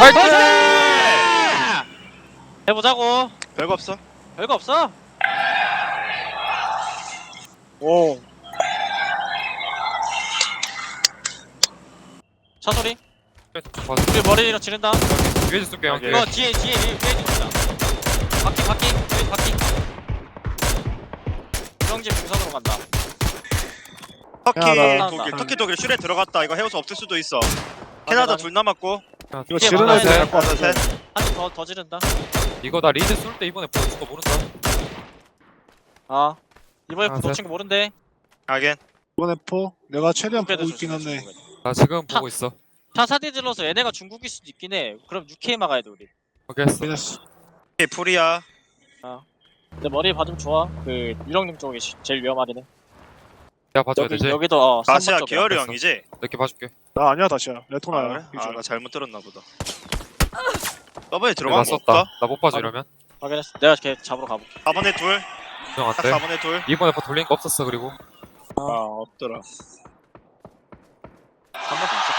나이스! 해보자고. 별거 없어. 별거 없어. 오. 차 소리. 봐줘. 우리 머리로 지른다. 위에서 쏠게 형. 이거 뒤에 있다. 바퀴 여기 바퀴. 주렁집 부산으로 간다. 터키 야, 나- 독일, 나- 터키 독일 슈레 들어갔다. 이거 해우서 없을 수도 있어. 캐나다 둘 남았고. 이거 이게 지르는 많아야 애들 돼. 갈것 같아. 셋. 한팀더 지른다. 이거 나 리드 쏠 때 이번에 보여준 거 모른다. 아 이번에 아, 놓친 거 모른대. 하긴. 이번에 포 내가 최대한 보고 중국에도 있긴 줬어, 한데. 중국에도. 나 지금 보고 있어. 차 사디 질러서 얘네가 중국일 수도 있긴 해. 그럼 UK 막아야 돼 우리. 확인했어. 그랬어. 오케이, 풀이야. 근데 머리 봐주면 좋아. 그 유령님 쪽이 제일 위험하긴 해. 내가 봐줘야 되지. 여기도 다시야 3번 쪽이야. 기어리 됐어. 형이지? 이렇게 봐줄게. 나 아니야 다시야. 아, 레토나야. 그래? 유저. 아, 나 잘못 들었나 보다. 더블에 나 들어간 거 썼다. 없어? 나 못 봐줘 이러면. 확인했어. 내가 걔 잡으러 가볼게. 4번에 둘. 형 딱 안돼. 4번에 둘. 이번에 뭐 돌린 거 없었어 그리고. 아, 없더라. 한 번도 있었거든.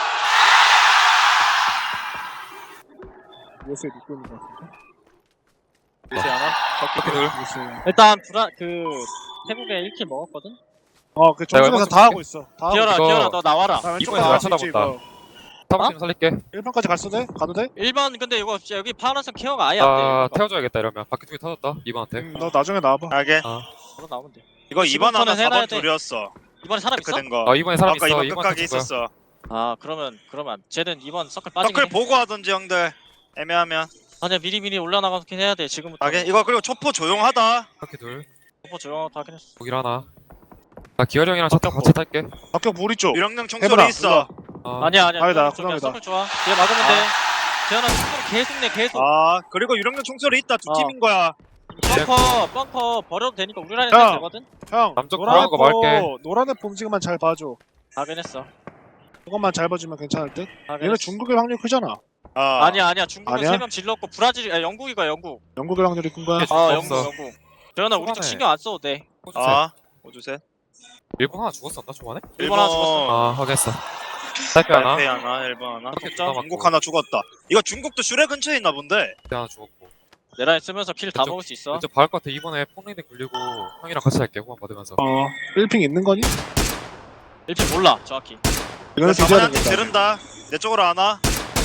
요새 믿고 있는 것 같은데. 요새 하나? 터키들. 요새. 일단 태국에 1킬 먹었거든? 그 정신에서 이거 다 하고 있어. 다 하고 기어라 이거- 기어라 너 나와라. 나 왼쪽 이번에 다 나 할수 있지 쳐다본다. 이거. 사무팀 살릴게. 1번까지 갔어 돼? 가도 돼? 1번 근데 이거 진짜 여기 파란색 케어가 아예 아 안돼. 태워줘야겠다 이러면. 바퀴 두개 터졌다. 이번한테. 너 나중에 나와봐. 하긴. 바로 나오면 돼. 이거 2번 하나 지금부터는 해놔야 4번 돼. 둘이었어. 이번에 사람 있어? 체크된 거. 아 이번에 사람 아까 있어. 2번 이번 끝까지 줄 거야. 있었어. 아 그러면 쟤는 이번 서클 빠지긴 서클 해. 보고 하던지 형들. 애매하면. 아니야 미리 올라나가긴 해야 돼 지금부터. 하긴. 이거 그리고 초포 조용하다. 바퀴 둘. 뭐 조용하다 하긴 했어. 거기 하나. 나 기열이 형이랑 차타 같이 탈게. 박격 우리 쪽. 유령령 해보라, 총소리 있어. 아, 아니야 아니다, 이쪽이야. 그다음이다. 서클 좋아. 얘 막으면 돼. 재현아 서클 계속 내 계속. 아, 그리고 유령령 총소리 있다. 두 어. 팀인 거야. 벙커 버려도 되니까 우리 라인에 야. 되거든? 형. 남쪽 노란 보라는 거 말게. 노란 애 봄지기만 잘 봐줘. 하긴 했어. 그것만 잘 봐주면 괜찮을 듯. 하긴 얘는 했어. 중국의 확률 크잖아. 아. 아니야 중국은 아니야? 3명 질렀고 브라질이 영국이가 영국. 영국의 확률이 큰 거야. 아, 영국 없어. 영국. 재현아 우리 쪽 초반에. 신경 안 써도 돼. 아. 오주세. 일본 하나 죽었었나 초반에? 일본 하나 죽었어. 아 확인했어. 탈피 하나. 탈페 하나, 1번 하나. 격자. 중국 하나 죽었다. 이거 중국도 슈레 근처에 있나 본데. 그때 하나 죽었고. 내 라인 쓰면서 킬 다 왼쪽- 먹을 수 있어. 이제 박을 것 같아. 이번에 폰레이드 굴리고 형이랑 같이 할게. 후원 받으면서. 1핑 있는 거니? 1피 몰라 정확히. 이거는 뒤져야 4번한테 된다. 지른다. 내 쪽으로 하나.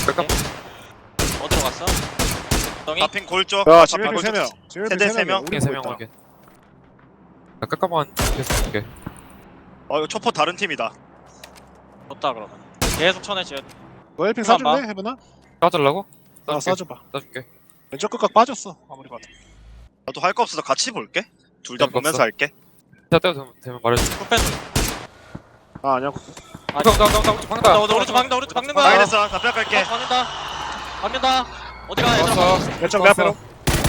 어디로 갔어? 덩이? 나핑 골쪽. 야, 아, 지금 골 1핑 3명. 세대 세 명? 이게 3명 확인. 나 깎아만 계속 줄게. 이거 초포 다른 팀이다. 좋다 그러면. 계속 쳐내 지금. 너 1핑 그만 봐. 사줄래? 해보나? 싸주려고? 싸줘봐. 싸줄게. 왼쪽 끝각 빠졌어. 아무리 봐도. 나도 할 거 없어서 같이 볼게. 둘 다 재밌었어. 보면서 할게. 자 때도 되면 말해줘. 쿠페도. 아니야. 나 우측 방다. 오른쪽 박는 거야. 당연했어. 나 뺏갈게. 박는다. 어디가 얘들아. 왔어. 왼쪽 내 앞에로.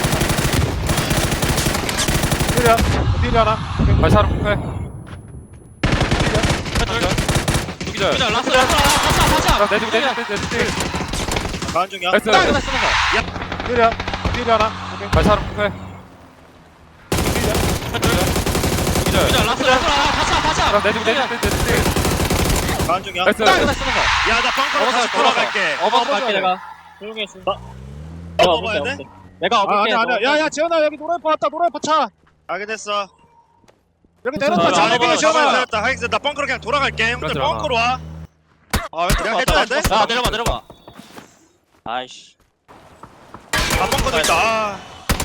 필이야. 필이 하나. 다시 하나 폭해. 누기절. 기자 라스 가자. 내주기. 가은 중이야. 나이스. 필이야. 필이 하나. 오케이. 다시 하나 폭해. 누기절. 기자 라스 가자. 내주기. 가은 중이야. 나이스. 야, 나 벙커로 다시 돌아갈게. 갈게 내가. 조용히 했어. 먹어야 돼? 내가 업을게. 아니야. 야야 지현아 여기 노란파 왔다. 노란파 차. 알겠어. 여기 아, 내렸다. 아, 차 아, 내비게 아, 지현아. 잘했다. 하익스 나 벙커로 그냥 돌아갈게. 형들 그렇지, 벙커로 와. 내가 해줘야 돼? 야 내려봐. 아이씨. 아, 벙커도 있다. 아.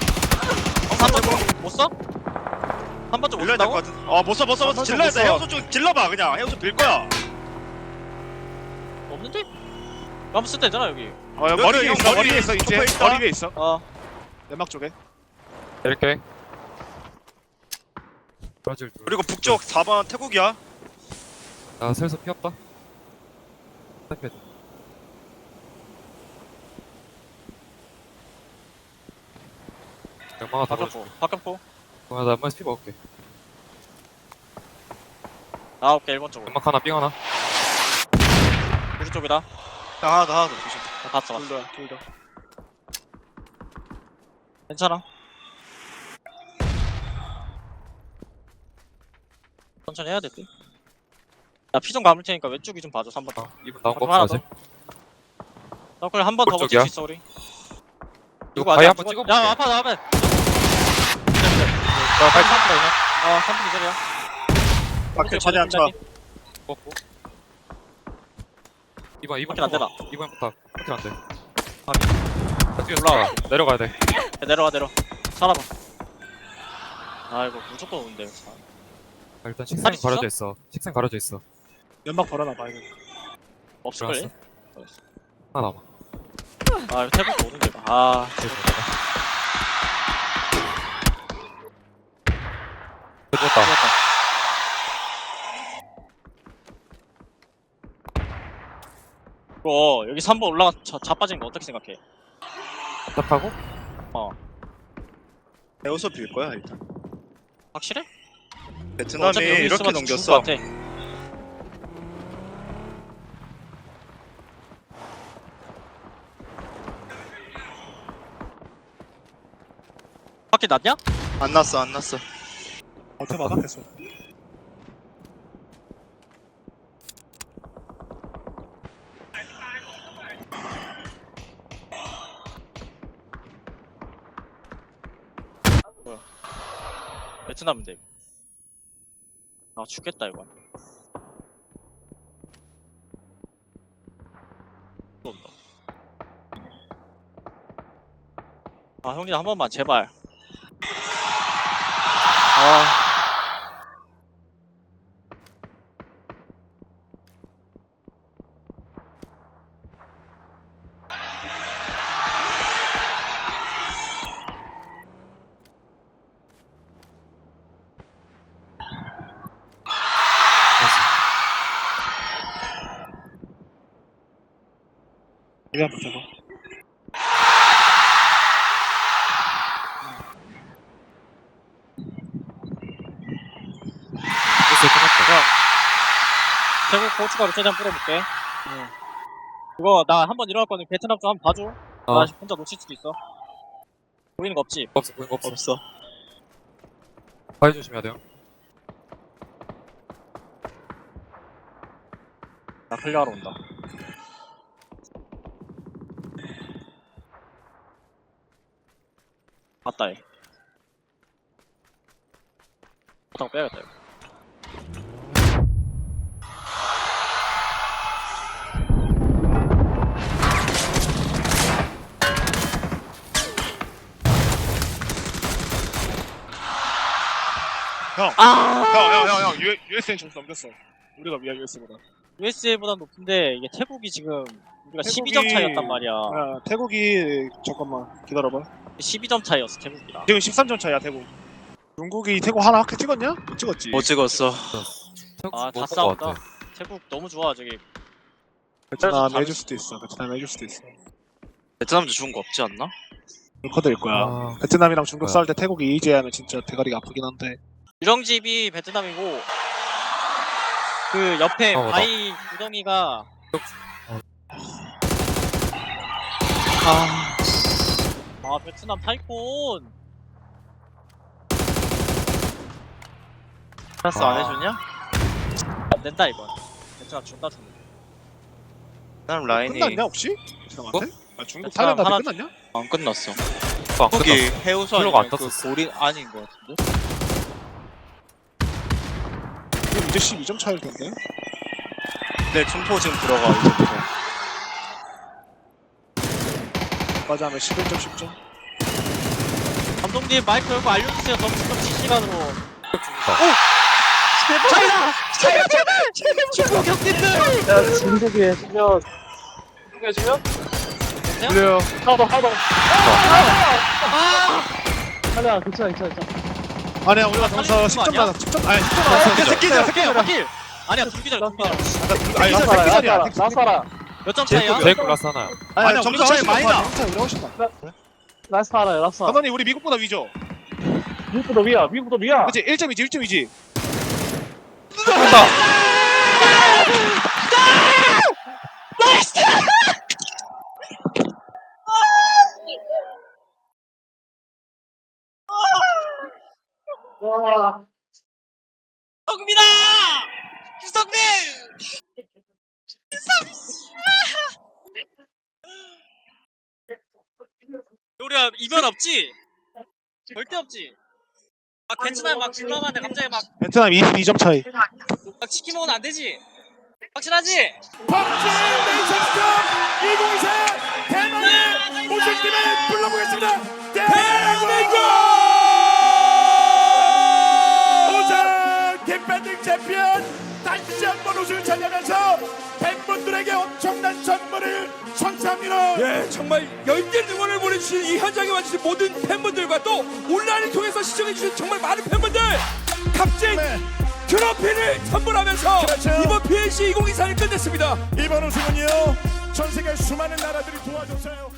3번 못 써? 한 번쯤 못 밀려야 쓴다고? 될것 같은. 못 써. 질러야 돼. 해우소 쪽 질러봐 그냥. 해우소 빌 거야. 없는데? 한번 쓸 때잖아 여기. 머리 여기 위에 형 있어. 머리 머리 위에 있어. 이제 쪽에 있다. 머리 위에 있어. 내막 쪽에. 이렇게. 브라질 둘. 그리고 북쪽 4번 태국이야. 나 슬슬 피 없다. 탈피. 양망아 다 걸어줘. 바깥포. 나 한번 피 먹을게. 오케이 1번 쪽으로. 연막 하나 삥 하나. 우리 쪽이다. 하나 더 조심. 봤어. 둘다. 괜찮아. 천천히 해야 될 듯. 나 피 좀 감을 테니까 왼쪽이 좀 봐줘 3번. 이분 나온 거 하나 없어 아직. 서클 한 번 더 버틸 오른쪽이야? 수 있어 우리. 이거 바위 한번 야 찍어볼게. 아파 나 아파. 나 바위 탔다 이거. 3분 기절이야. 밖에 최대한 쳐. 먹고. 이번 밖에 안 되나? 이번부터 밖에 안 돼. 올라와. 내려가야 돼. 야, 내려와 살아봐. 아 이거 무조건 오는데. 일단 식생 살이 가려져 있어. 식생 가려져 있어. 연막 벌어놔봐 이거. 없을걸? 들어갔어? 하나 남아. 아 이거 태국 오는데. 아 됐다. 죽었다. 이거 여기 3번 올라가 자빠진 거 어떻게 생각해? 답하고 해우소 빌 거야 일단. 확실해? 베트남이 어차피 여기 이렇게 있으면 넘겼어. 죽을 것 같아. 밖에 났냐? 안 났어 안 났어. 어떻게 막았겠어. 베트남인데. 아 죽겠다 이거. 또 온다. 아 형님 한 번만 제발. 아 이거 한번 쳐봐. 됐어 끝났다. 태국 고춧가루 최대한 뿌려볼게. 그거 나 한 번 일어날 거는 베트남 좀 한번 봐줘. 나 혼자 놓칠 수도 있어. 보이는 거 없지? 없어 보인 거 없어. 없어. 바위 조심해야 돼요. 나 클리어하러 온다. 맞다 얘. 바닥 빼야겠다 이거. 형 USN 점수 넘겼어. 우리가 위아 US보다. USA보다 높은데 이게 태국이 지금 우리가 태국이- 12점 차이였단 말이야. 야 태국이 잠깐만 기다려봐. 12점 차이였어 태국이랑. 지금 13점 차야 태국. 중국이 태국 하나 확 찍었냐? 못 찍었지. 못 찍었어. 아, 다 못본것 싸웠다. 같아. 태국 너무 좋아 저기. 베트남 잘했어. 해줄 수도 있어. 베트남 해줄 수도 있어. 베트남도 좋은 거 없지 않나? 루커드일 거야. 아, 베트남이랑 중국 뭐야. 싸울 때 태국이 이지하면 진짜 대가리가 아프긴 한데. 유령집이 베트남이고 그 옆에 맞아. 바위 구덩이가 아 베트남 타이콘. 패스 아. 안 해주냐? 안 된다 이건. 베트남 존나 죽네. 베트남 라인이 끝났냐 혹시? 베트남한테? 아 중국 베트남 타이란드한테 하나- 끝났냐? 안 끝났어. 또안 거기 끝났어. 해우소 킬로가 아니면 안 그 떴었어. 고린 아닌 거 같은데? 그럼 이제 12점 차일 텐데. 네, 춤포 지금 들어가 이제부터. 까지 하면 11점 10점. 감독님 마이크 열고 알려주세요. 점수 좀 실시간으로. 중국 형님들. 야, 진국이 해주면 그래요. 하나 아니야, 괜찮아. 아니야 우리가 점수 살리는 거 10점 아니야? 받아. 10점 아니 10점 받아. 새끼들, 바퀴. 아니야 둘기절. 아니 나사라 몇 점 차이야? 제일 클라스 하나야. 아니야, 점수 차이 많이 나. 점수 차이 우리가 훨씬 나. 나사라 감독님 우리 미국보다 위죠? 미국보다 위야 그치 1점이지 1점이지. 와. 성민아! 유성민! 우리가 이변 없지? 절대 없지. 막 베트남 막 질러가는데 갑자기 막 베트남 22점 차이. 치킨 먹으면 안 되지? 확실하지? 박진 네이션스컵 2024 대만의 우승팀을 불러보겠습니다. 대한민국 우승 디펜딩 챔피언 다시 한번 우승을 차지하면서 팬분들에게 엄청난 선물을 선사합니다. 예, 정말 열띤 응원을 보내주신 이 현장에 와주신 모든 팬분들과 또 온라인을 통해서 시청해주신 정말 많은 팬분들 값진 네. 트로피를 선물하면서 그렇죠. 이번 PNC 2024를 끝냈습니다. 이번 우승은요 전 세계 수많은 나라들이 도와줬어요.